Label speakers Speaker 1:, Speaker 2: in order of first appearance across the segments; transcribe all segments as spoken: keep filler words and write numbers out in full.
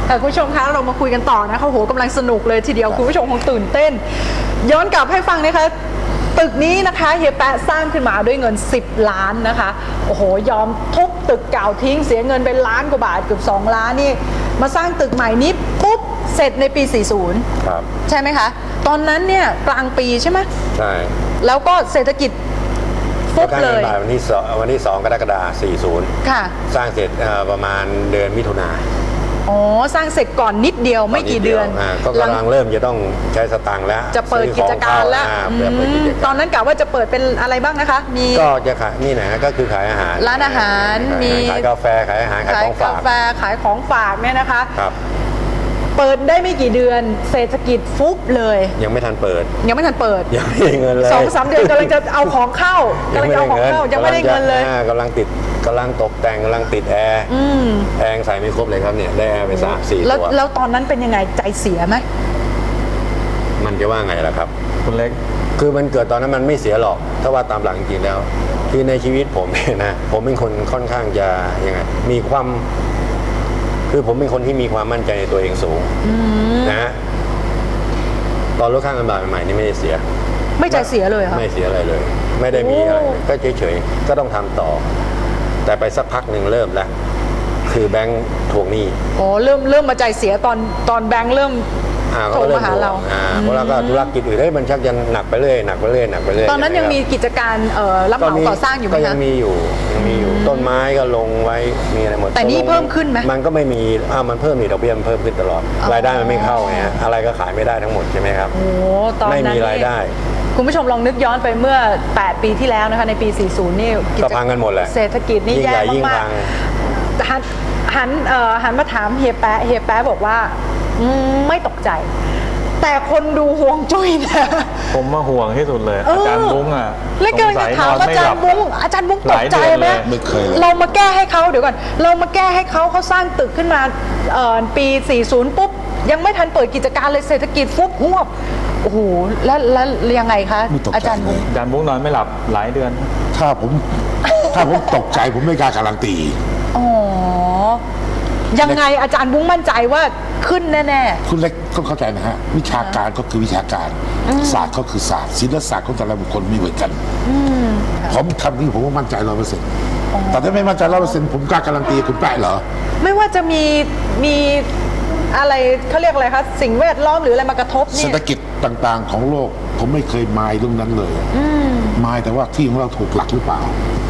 Speaker 1: คุณผู้ชมคะเรามาคุยกันต่อนะคะโหกำลังสนุกเลยทีเดียวคุณผู้ชมคงตื่นเต้นย้อนกลับให้ฟังนะคะตึกนี้นะคะเฮียแปะสร้างขึ้นมาด้วยเงินสิบล้านนะคะโอ้โหยอมทุบตึกเก่าทิ้งเสียเงินเป็นล้านกว่าบาทเกือบสองล้านนี่มาสร้างตึกใหม่นี้ปุ๊บเสร็จในปีสี่สิบ
Speaker 2: ครับ
Speaker 1: ใช่ไหมคะตอนนั้นเนี่ยกลางปีใช่ไหม
Speaker 2: ใช่
Speaker 1: แล้วก็เศรษฐกิจฟุบเลย
Speaker 2: วันที่สองวันที่สองกรกฎาคมสี่สิบ
Speaker 1: ค่ะ
Speaker 2: สร้างเสร็จประมาณเดือนมิถุนา
Speaker 1: อ๋อสร้างเสร็จก่อนนิดเดียวไม่กี่เดือน
Speaker 2: ก็กำลังเริ่มจะต้องใช้สตางค์แล้ว
Speaker 1: จะเปิดกิจการแล้วตอนนั้นกะว่าจะเปิดเป็นอะไรบ้างนะคะมี
Speaker 2: ก็จะขายนี่นะก็คือขายอาหาร
Speaker 1: ร้านอาหารมี
Speaker 2: ขายกาแฟขายอาหารขายของฝาก
Speaker 1: กาแฟขายของฝากเนี่ยนะคะ
Speaker 2: ครับ
Speaker 1: เปิดได้ไม่กี่เดือนเศรษฐกิจฟุบเลย
Speaker 2: ยังไม่ทันเปิด
Speaker 1: ยังไม่ทันเปิด
Speaker 2: ยังไม่ได้เงินเลย
Speaker 1: สองสามเดือนกำลังจะเอาของเข้ากำลังจะเอาของเข้ายังไม่ได้เงินเลย
Speaker 2: กำลังติดกำลังตกแต่งกำลังติดแอร์แอร์ใส่ไม่ครบเลยครับเนี่ยได้แอร์ไปสามสี่ตัว
Speaker 1: แล้วตอนนั้นเป็นยังไงใจเสียไหม
Speaker 2: มันจะว่าไงล่ะครับ
Speaker 3: คุณเล็ก
Speaker 2: คือมันเกิดตอนนั้นมันไม่เสียหรอกถ้าว่าตามหลักจริงๆแล้วคือในชีวิตผมเนี่ยนะผมเป็นคนค่อนข้างจะยังไงมีความคือผมเป็นคนที่มีความมั่นใจในตัวเองสูงนะตอนลดค่าเงินบาทใหม่ๆนี่ไม่ได้เสีย
Speaker 1: ไม่ใจเสียเลยค่ะ
Speaker 2: ไม่เสียอะไรเลย ไม่ได้มีอะไรก็เฉยๆก็ต้องทำต่อแต่ไปสักพักหนึ่งเริ่มแล้วคือแบงค์ทวงหนี้
Speaker 1: โอ้เริ่มเริ่มมาใจเสียตอนตอนแบงค์เริ่มโทรมาหาเรา
Speaker 2: เพราะเราก็ธุรกิจอื่นได้มันชักจะหนักไปเรื่อยหนักไปเรื่อยหนักไปเรื่อย
Speaker 1: ตอนนั้นยังมีกิจการรับเหมาก่อสร้างอยู่ไหมคะ
Speaker 2: ก็ยังมีอยู่ยังมีอยู่ต้นไม้ก็ลงไว้มีอะไรหมด
Speaker 1: แต่นี่เพิ่มขึ้นไหม
Speaker 2: มันก็ไม่มีอ้าวมันเพิ่มมีดอกเบี้ยมันเพิ่มขึ้นตลอดรายได้มันไม่เข้าไงอะไรก็ขายไม่ได้ทั้งหมดใช่ไหมครับ
Speaker 1: โอ้ตอนนั้น
Speaker 2: ไม่มีรายได้
Speaker 1: คุณผู้ชมลองนึกย้อนไปเมื่อแปดปีที่แล้วนะคะในปีสี่สิบนี่
Speaker 2: ก็พังกันหมดแหละ
Speaker 1: เศรษฐกิจนี่แย่มากๆหันหันหันมาถามเฮียแปะเฮียแปะบอกว่าไม่ตกใจแต่คนดูห่วงจุ้ยนะ
Speaker 3: ผมมาห่วงที่สุดเลยอาจารย์บุ้งอ่ะ
Speaker 1: แล้วก็จะถามอาจารย์บุ้งอาจารย์บุ้งตกใจไหมเรามาแก้ให้เขาเดี๋ยวก่อนเรามาแก้ให้เขาเขาสร้างตึกขึ้นมาปีสี่สิบปุ๊บยังไม่ทันเปิดกิจการเลยเศรษฐกิจฟุบหวบโอ้โหแล้วแล้วยังไงคะอาจารย์บุ้ง
Speaker 3: อาจารย์บุ้งนอนไม่หลับหลายเดือน
Speaker 4: ถ้าผมถ้าผมตกใจผมไม่กล้าการันตี
Speaker 1: อ๋อยังไงอาจารย์บุ้งมั่นใจว่าขึ้นแน่
Speaker 4: ๆคุณเล็กต้องเข้าใจนะฮะวิชาการก็คือวิชาการศาสตร์ก็คือศาสตร์ศิลปศาสตร์ของแต่ละบุคคลไม่เหมือนกันผมทำนี่ผมก็มั่นใจร้อยเปอร์เซ็นต์แต่ถ้าไม่มั่นใจร้อยเปอร์เซ็นต์ผมกล้าการันตีคุณแปะเหรอ
Speaker 1: ไม่ว่าจะมีมีอะไรเขาเรียกอะไรคะสิ่งแวดล้อมหรืออะไรมากระทบเนี่ย
Speaker 4: เศรษฐกิจต่างๆของโลกผมไม่เคยมายเรื่องนั้นเลยมายแต่ว่าที่ของเราถูกหลักหรือเปล่า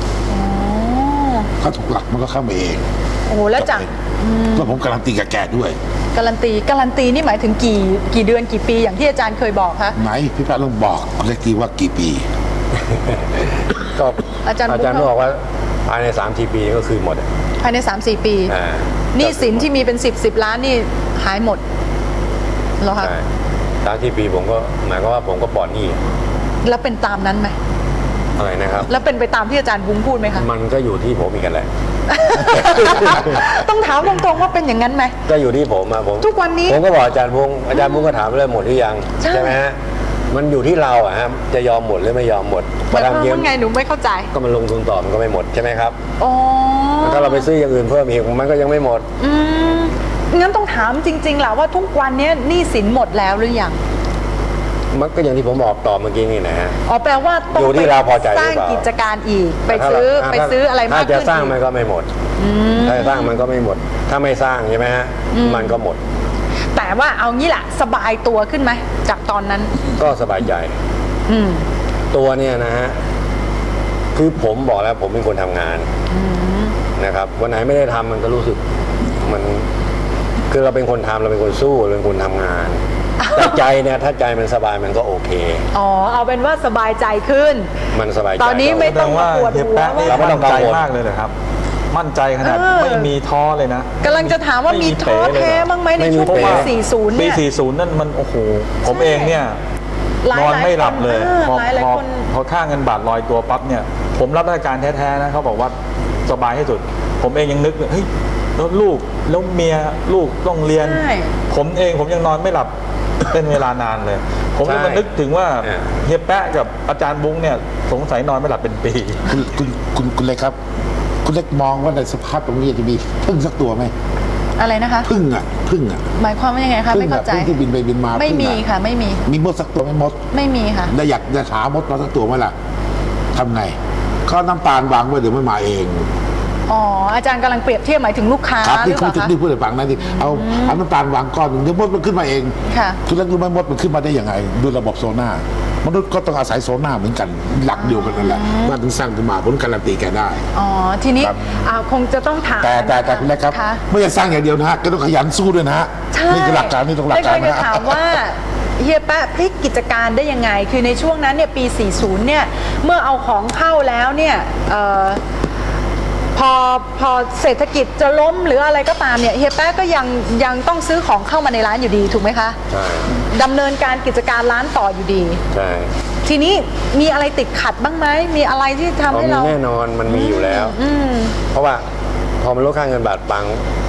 Speaker 4: ถ้าถูกหลักมันก็เข้ามาเอง
Speaker 1: โอ้โหแล้วจาก
Speaker 4: แล้วผมการันตีกับแกด้วย
Speaker 1: การันตีการันตีนี่หมายถึงกี่กี่เดือนกี่ปีอย่างที่อาจารย์เคยบอกคะ
Speaker 4: ไหนพี่แป๊ะลองบอกคุณเล็กทีว่ากี่ปี
Speaker 2: ก็อาจารย์อาจารย์บอกว่าภายในสามสี่ปีก็คือหมด
Speaker 1: ภายในสามสี่ปีนี่สินที่มีเป็นสิบสิบล้านนี่หายหมดเหรอคะ
Speaker 2: สามสี่ปีผมก็หมายความว่าผมก็ปลอดหนี้
Speaker 1: แล้วเป็นตามนั้นไหม
Speaker 2: อะไรนะครับ
Speaker 1: แล้วเป็นไปตามที่อาจารย์บุ้งพูดไหมคะ
Speaker 2: มันก็อยู่ที่ผมอีกกันแหละ
Speaker 1: ต้องถามตรงๆว่าเป็นอย่างนั้นไหม
Speaker 2: ก็อยู่ที่ผมอะผม
Speaker 1: ทุกวันนี้
Speaker 2: ผมก็บอกอาจารย์บุ้งอาจารย์บุ้งก็ถามเรื่องหมดหรือยังใช่ไหมฮะมันอยู่ที่เราอะฮะจะยอมหมดหรือไม่ยอมหมด
Speaker 1: แต่ทำเยอะไงหนูไม่เข้าใจ
Speaker 2: ก็มันลงทุนต่อมันก็ไม่หมดใช่ไหมครับ
Speaker 1: อ๋อ
Speaker 2: ถ้าเราไปซื้ออย่างอื่นเพิ่มอีกมันก็ยังไม่หมด
Speaker 1: อืมงั้นต้องถามจริงๆแหละว่าทุกวันนี้หนี้สินหมดแล้วหรือยัง
Speaker 2: มันก็อย่างที่ผมบอกต่อเมื่อกี้นี่นะฮะ
Speaker 1: อ๋อแปลว่า
Speaker 2: ต้องอยู่ที่เราพอใจหรือเปล่า
Speaker 1: สร้างกิจการอีกไปซื้อไปซื้ออะไรมากขึ้น
Speaker 2: ถ้าจะสร้างมันก็ไม่หมดถ้าสร้างมันก็ไม่หมดถ้าไม่สร้างใช่ไหมฮะมันก็หมด
Speaker 1: แต่ว่าเอางี้แหละสบายตัวขึ้นไหมจากตอนนั้น
Speaker 2: ก็สบายใจตัวเนี่ยนะฮะคือผมบอกแล้วผมเป็นคนทำงานนะครับวันไหนไม่ได้ทำมันก็รู้สึกมันคือเราเป็นคนทำเราเป็นคนสู้เราเป็นคนทำงานแต่ใจเนี่ยถ้าใจมันสบายมันก็โอเค
Speaker 1: อ๋อเอาเป็นว่าสบายใจขึ้น
Speaker 2: มันสบายใจ
Speaker 1: ตอนนี้ไม่ต้องมาปวดหัว
Speaker 3: เราไม่ต้องใจมากเลยเหรอครับมั่นใจขนาดไม่มีท้อเลยนะ
Speaker 1: กำลังจะถามว่ามีท้อแท้บ้างไหมในช่วงปีสี่สิบเนี่ย
Speaker 3: ปีสี่สิบนั่นมันโอ้โหผมเองเนี่ยนอนไม่หลับเลยพอพอพอค่าเงินบาทลอยตัวปั๊บเนี่ยผมรับราชการแท้ๆนะเขาบอกว่าสบายที่สุดผมเองยังนึกเฮ้ยแล้วลูกแล้วเมียลูกต้องเรียนผมเองผมยังนอนไม่หลับเป็นเวลานานเลยผมเลยมานึกถึงว่าเฮียแปะกับอาจารย์บุ้งเนี่ยสงสัยนอนไม่หลับเป็นปี
Speaker 4: คุณคุณคุณคุณเล็กครับคุณเล็กมองว่าในสภาพตรงนี้จะมีพึ่งสักตัวไหม
Speaker 1: อะไรนะคะ
Speaker 4: พึ่งอ่ะพึ่งอ่ะ
Speaker 1: หมายความว่ายังไงคะ
Speaker 4: พึ่
Speaker 1: ไม่
Speaker 4: ง
Speaker 1: เข้า
Speaker 4: อ่ะ
Speaker 1: ใจ
Speaker 4: พึ่งที่บินไปบินมา
Speaker 1: ไม่
Speaker 4: พึ่ง
Speaker 1: มี
Speaker 4: อะ
Speaker 1: ค่ะไม่มี
Speaker 4: มีมดสักตัวไหม่มด
Speaker 1: ไม่มีค่ะ
Speaker 4: ได้อยากจะหามดมาสักตัวไหมล่ะทำไงก็น้ำตาลวางไว้เดี๋ยวมันมาเอง
Speaker 1: อ๋ออาจารย์กำลังเปรียบเทียบหมายถึงลูกค้า
Speaker 4: ครับ
Speaker 1: ห
Speaker 4: ที่
Speaker 1: รือเป
Speaker 4: คุณ
Speaker 1: ล่า
Speaker 4: ที่
Speaker 1: คะ
Speaker 4: ที่พูดให้ฟังนะที่เอาเอาน้ำตาลวางก้อนหนึ่งเดี๋ยวมดมันขึ้นมาเอง
Speaker 1: ค่ะ
Speaker 4: คุณแล้วรู้ไหมมดมันขึ้นมาได้ยังไงด้วยระบบโซน่ามนุษย์ก็ต้องอาศัยโซน่าเหมือนกันหลักเดียวกันนั่นแหละว่าถึงสร้างขึ้นมาผมการันตีแกได้
Speaker 1: อ๋อทีนี้
Speaker 4: ครับ
Speaker 1: อ่าคงจะต้องถาม
Speaker 4: แต่แต่แต่คุณเล็กครับ
Speaker 1: ะ
Speaker 4: ไม่ใช่สร้างอย่างเดียวนะฮะก็ต้องขยันสู้ด้วยนะฮะ
Speaker 1: ใช่
Speaker 4: นี่คือหลักการนี่ต้องหลักการ
Speaker 1: ได้
Speaker 4: นะ
Speaker 1: จะถามว่าเฮียแป๊ะพลิกกิจการได้ยังไง คือในช่วงนั้นเนี่ยปี สี่สิบ เนี่ย เมื่อเอาของเข้าแล้วเนี่ยเอ่อพอพอเศรษฐกิจจะล้มหรืออะไรก็ตามเนี่ยเฮียแป๊ะก็ยังยังต้องซื้อของเข้ามาในร้านอยู่ดีถูกไหมคะ
Speaker 2: ใช่
Speaker 1: ดำเนินการกิจการร้านต่ออยู่ดี
Speaker 2: ใช่
Speaker 1: ทีนี้มีอะไรติดขัดบ้างไหมมีอะไรที่ทำ
Speaker 2: เรา
Speaker 1: ให้
Speaker 2: มี
Speaker 1: เรา
Speaker 2: แน่นอนมันมีอยู่แล้ว
Speaker 1: อืม
Speaker 2: เพราะว่าพอมันลดค่าเงินบาทปัง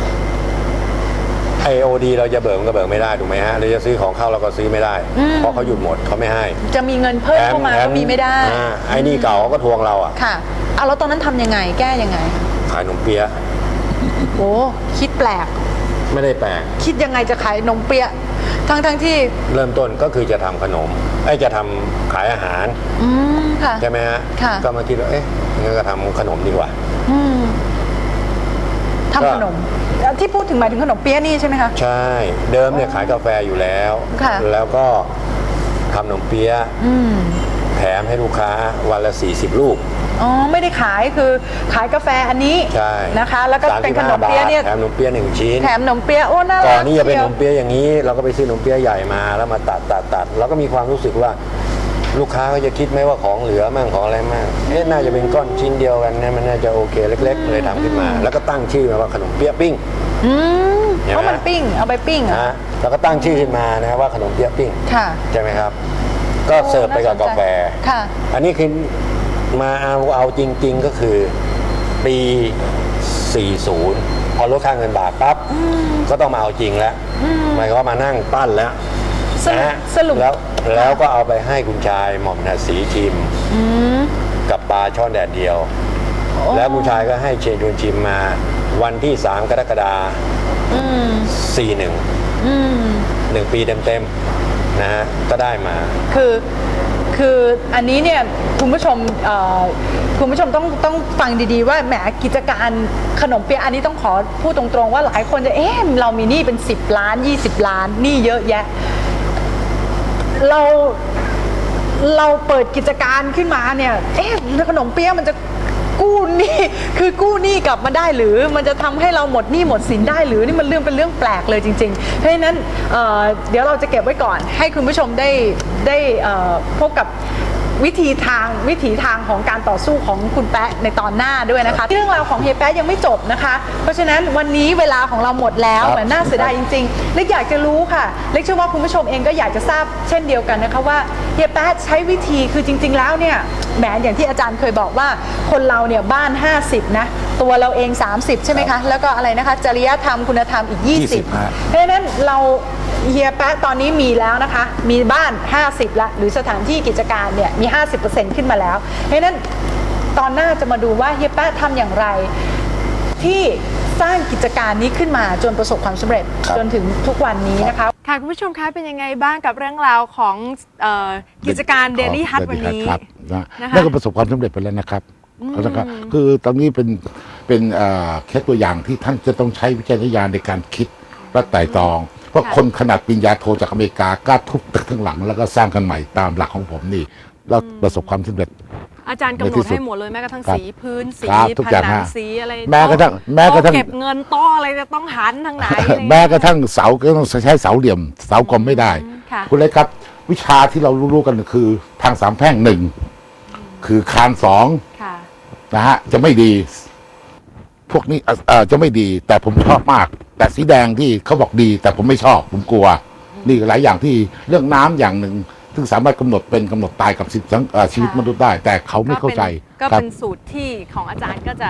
Speaker 2: ไอโอดีเราจะเบิกมันก็เบิกไม่ได้ถูกไหมฮะเราจะซื้อของเข้าเราก็ซื้อไม่ได้ เพราะเขาหยุดหมดเขาไม่ให้
Speaker 1: จะมีเงินเพิ่มเข้ามาก็มีไม่ได้
Speaker 2: อ่าไอ้นี่เก่าเขาก็ทวงเราอ่ะ
Speaker 1: ค่ะเอาแล้วตอนนั้นทำยังไงแก้ยังไง
Speaker 2: ขายขนมเปี๊ยะ
Speaker 1: โอ้คิดแปลก
Speaker 2: ไม่ได้แปลก
Speaker 1: คิดยังไงจะขายนมเปี๊ยะทั้งทั้งที่
Speaker 2: เริ่มต้นก็คือจะทำขนมไอ้ยจะทำขายอาหาร
Speaker 1: อืมค่ะ
Speaker 2: ใช่ไหมฮะ
Speaker 1: ค่ะ
Speaker 2: ก็มาคิดว่าเอ๊ะงั้นก็ทำขนมดีกว่า
Speaker 1: อืม
Speaker 2: ก็
Speaker 1: ทำขนมที่พูดถึงหมายถึงขนมเปี๊ยะนี่ใช่ไหมคะ
Speaker 2: ใช่ เดิมเนี่ยขายกาแฟอยู่แล้ว
Speaker 1: ค่ะ
Speaker 2: แล้วก็ทำขนมเปี๊ยะ
Speaker 1: อืม
Speaker 2: แถมให้ลูกค้าวันละสี่สิบลูก
Speaker 1: อ๋อไม่ได้ขายคือขายกาแฟอันนี้
Speaker 2: ใช่
Speaker 1: นะคะ แล้วก็เป็นขนม
Speaker 2: สาสิบห้า
Speaker 1: เปี๊ยะเนี่ย
Speaker 2: บาทแถมขนมเปี๊ยะหนึ่งชิ้น
Speaker 1: แถมขนมเปี๊ยะโอ้น่ารัก
Speaker 2: ก่อนนี้จะเป็นข
Speaker 1: ชี
Speaker 2: นมเปี๊ยะอย่างนี้ เราก็ไปซื้อขนมเปี๊ยะใหญ่มาแล้วมาตัดตัดตัดเราก็มีความรู้สึกว่าลูกค้าเขาจะคิดไหมว่าของเหลือมั่งของอะไรมั่งเอ๊ะน่าจะเป็นก้อนชิ้นเดียวกันนะมันน่าจะโอเคเล็ก ๆ เลยทำขึ้นมา แล้วก็ตั้งชื่อมาว่าขนมเปี๊ยะปิ้ง
Speaker 1: อืม
Speaker 2: เห็นไหม
Speaker 1: เพราะมันปิ้งเอาไปปิ้งเหร
Speaker 2: นะ
Speaker 1: อ่ะ
Speaker 2: ฮะแล้วก็ตั้งชื่อขึ้นมานะว่าขนมเปี๊ยะปิ้ง
Speaker 1: ค่ะ
Speaker 2: ใช่ไหมครับ ก็เสิร์ฟไปกับกาแฟ
Speaker 1: ค่ะ
Speaker 2: อันนี้คือมาเอาเอาจริง ๆก็คือปี สี่สิบ พอลดค่าเงินบาทปั๊บก็ต้องมาเอาจริงแล้วหมายความว่ามานั่งปั้นแล้ว
Speaker 1: สรุป
Speaker 2: นะฮะ
Speaker 1: สรุป
Speaker 2: แล้วแล้วก็เอาไปให้คุณชายหม่อมถนัดศรีชิม
Speaker 1: อืม
Speaker 2: กับปลาช่อนแดดเดียว แล้วคุณชายก็ให้เชิญชวนชิมมาวันที่สามกรกฎาคมสี่หนึ่ง
Speaker 1: อืม
Speaker 2: หนึ่งปีเต็มๆนะฮะก็ได้มา
Speaker 1: คือคืออันนี้เนี่ยคุณผู้ชมเอ่อคุณผู้ชมต้องต้องฟังดีๆว่าแหมกิจการขนมเปี๊ยะอันนี้ต้องขอพูดตรงๆว่าหลายคนจะเอ๊ะเรามีหนี้เป็นสิบล้านยี่สิบล้านหนี้เยอะแยะ เราเราเปิดกิจการขึ้นมาเนี่ยเอ๊ะขนมเปี๊ยะมันจะกู้หนี้คือกู้หนี้กลับมาได้หรือมันจะทำให้เราหมดหนี้หมดสินได้หรือนี่มันเรื่องเป็นเรื่องแปลกเลยจริงๆเพราะฉะนั้นเอ่อเดี๋ยวเราจะเก็บไว้ก่อน ให้คุณผู้ชมได้ได้เอ่อพบกับวิธีทางวิถีทางของการต่อสู้ของคุณแป๊ะในตอนหน้าด้วยนะคะเรื่องราวของเฮียแป๊ะยังไม่จบนะคะ เพราะฉะนั้นวันนี้เวลาของเราหมดแล้ว
Speaker 4: ครับ
Speaker 1: เหมือนน่าเสียดายจริงๆเล็กอยากจะรู้ค่ะเล็กเชื่อว่าคุณผู้ชมเองก็อยากจะทราบเช่นเดียวกันนะคะว่าเฮียแป๊ะใช้วิธีคือจริง ๆ แล้วเนี่ยแหมอย่างที่อาจารย์เคยบอกว่าคนเราเนี่ยบ้านห้าสิบนะตัวเราเองสามสิบใช่ไหมคะแล้วก็อะไรนะคะจริยธรรมคุณธรรมอีกยี่สิบ
Speaker 4: ยี่สิบฮะ
Speaker 1: เพราะฉะนั้นเราเฮียแป๊ะตอนนี้มีแล้วนะคะ มีบ้านห้าสิบละหรือสถานที่กิจการเนี่ยมี ห้าสิบเปอร์เซ็นต์ ขึ้นมาแล้ว เพราะฉะนั้นตอนหน้าจะมาดูว่าเฮียแป๊ะทำอย่างไร ที่สร้างกิจการนี้ขึ้นมาจนประสบความสำเร็จ
Speaker 4: ครับ
Speaker 1: จนถึงทุกวันนี้นะคะ
Speaker 5: ค่ะคุณผู้ชมคะเป็นยังไงบ้างกับเรื่องราวของเอ่อกิจการ Daily Hut วันนี้
Speaker 4: ครับนะ
Speaker 5: นะคะ
Speaker 4: นั่นก็ประสบความสำเร็จไปแล้วนะครับนะครับคือตอนนี้เป็นเป็นเอ่อแค่ตัวอย่างที่ท่านจะต้องใช้วิจารณญาณในการคิดและไต่ตรอง เพราะคนขนาดปริญญาโทจากอเมริกากล้าทุบตึกทั้งหลัง แล้วก็สร้างกันใหม่ตามหลักของผมนี่แล้วประสบความสำเร็จ
Speaker 5: อาจารย์กำหน
Speaker 4: ในที่
Speaker 5: ด
Speaker 4: สุด
Speaker 5: ให้หมดเลยแม้กระทั่ง
Speaker 4: ครับ
Speaker 5: สีพื้นสี
Speaker 4: ครับทุก
Speaker 5: ผ
Speaker 4: อย่าง
Speaker 5: นัง
Speaker 4: ฮะ
Speaker 5: สีอะไร
Speaker 4: แม้กระทั่งแม้กระทั่ง
Speaker 5: โต๊เก็บเงินโต๊ะอะไรจะต้องหันทางไหนอะไรอย่าง
Speaker 4: แม้
Speaker 5: เงี้ย
Speaker 4: กระทั่งเสาก็ต้องใช้เสาเหลี่ยม เสากลมไม่ได้
Speaker 5: ค่ะ
Speaker 4: คุณเล็กครับ วิชาที่เรารู้ๆกันคือทางสามแพร่งหนึ่งคือคานสอง
Speaker 5: ค่ะ
Speaker 4: นะฮะจะไม่ดี พวกนี้เอ่อเอ่อจะไม่ดี แต่ผมชอบมาก แต่สีแดงที่เขาบอกดี แต่ผมไม่ชอบ ผมกลัว นี่หลายอย่างที่เรื่องน้ำอย่างหนึ่งซึ่งสามารถกำหนดเป็นกำหนดตายกับชีวิตเอ่อชีวิตมนุษย์ได้ แต่เขาไม่เข้าใจ
Speaker 5: ก็
Speaker 4: ครั
Speaker 5: เป็นสูตรที่ของอาจารย์ก็จะ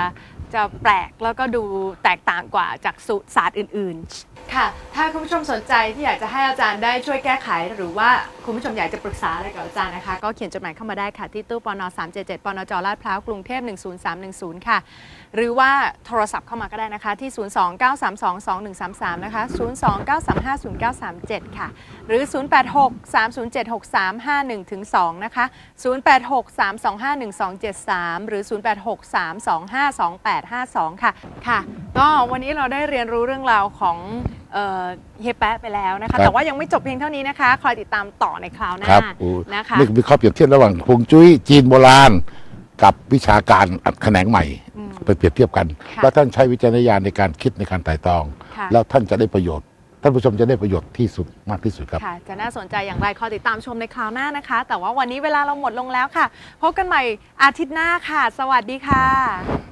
Speaker 5: จะแปลกแล้วก็ดูแตกต่างกว่าจากสูตรศาสตร์อื่นๆค่ะถ้าคุณผู้ชมสนใจที่อยากจะให้อาจารย์ได้ช่วยแก้ไขหรือว่าคุณผู้ชมอยากจะปรึกษาอะไรกับอาจารย์นะคะก็เขียนจดหมายเข้ามาได้ค่ะที่ตู้ปนสามเจ็ดเจ็ดปนจลาดพร้าวกรุงเทพหนึ่งศูนย์สามหนึ่งศูนย์ค่ะหรือว่าโทรศัพท์เข้ามาก็ได้นะคะที่ศูนย์ สอง เก้า สาม สอง สอง หนึ่ง สาม สามนะคะศูนย์ สอง เก้า สาม ห้า ศูนย์ เก้า สาม เจ็ดค่ะหรือศูนย์ แปด หก สาม ศูนย์ เจ็ด หก สาม ห้า หนึ่ง ถึง สองนะคะศูนย์ แปด หก สาม สอง ห้า หนึ่ง สอง เจ็ด สามหรือศูนย์ แปด หก สาม สอง ห้า สอง แปด ห้า สองค่ะค่ะก็วันนี้เราได้เรียนรู้เรื่องราวของเอ่อเฮียแป๊ะไปแล้วนะคะแต่ว่ายังไม่จบเพียงเท่านี้นะคะคอยติดตามต่อในคราวหน้า
Speaker 4: ครับ
Speaker 5: นะคะ
Speaker 4: นี่มีข้อเปรียบเทียบระหว่างฮวงจุ้ยจีนโบราณกับวิชาการแขนงใหม่ไปเปรียบเทียบกัน
Speaker 5: ค่ะ
Speaker 4: แล้วท่านใช้วิจารณญาณในการคิดในการไต่ตรอง
Speaker 5: ค่ะ
Speaker 4: แล้วท่านจะได้ประโยชน์ ท่านผู้ชมจะได้ประโยชน์ที่สุดมากที่สุดครับ
Speaker 5: ค่ะจะน่าสนใจอย่างไรคอยติดตามชมในคราวหน้านะคะ แต่ว่าวันนี้เวลาเราหมดลงแล้วค่ะ พบกันใหม่อาทิตย์หน้าค่ะ สวัสดีค่ะ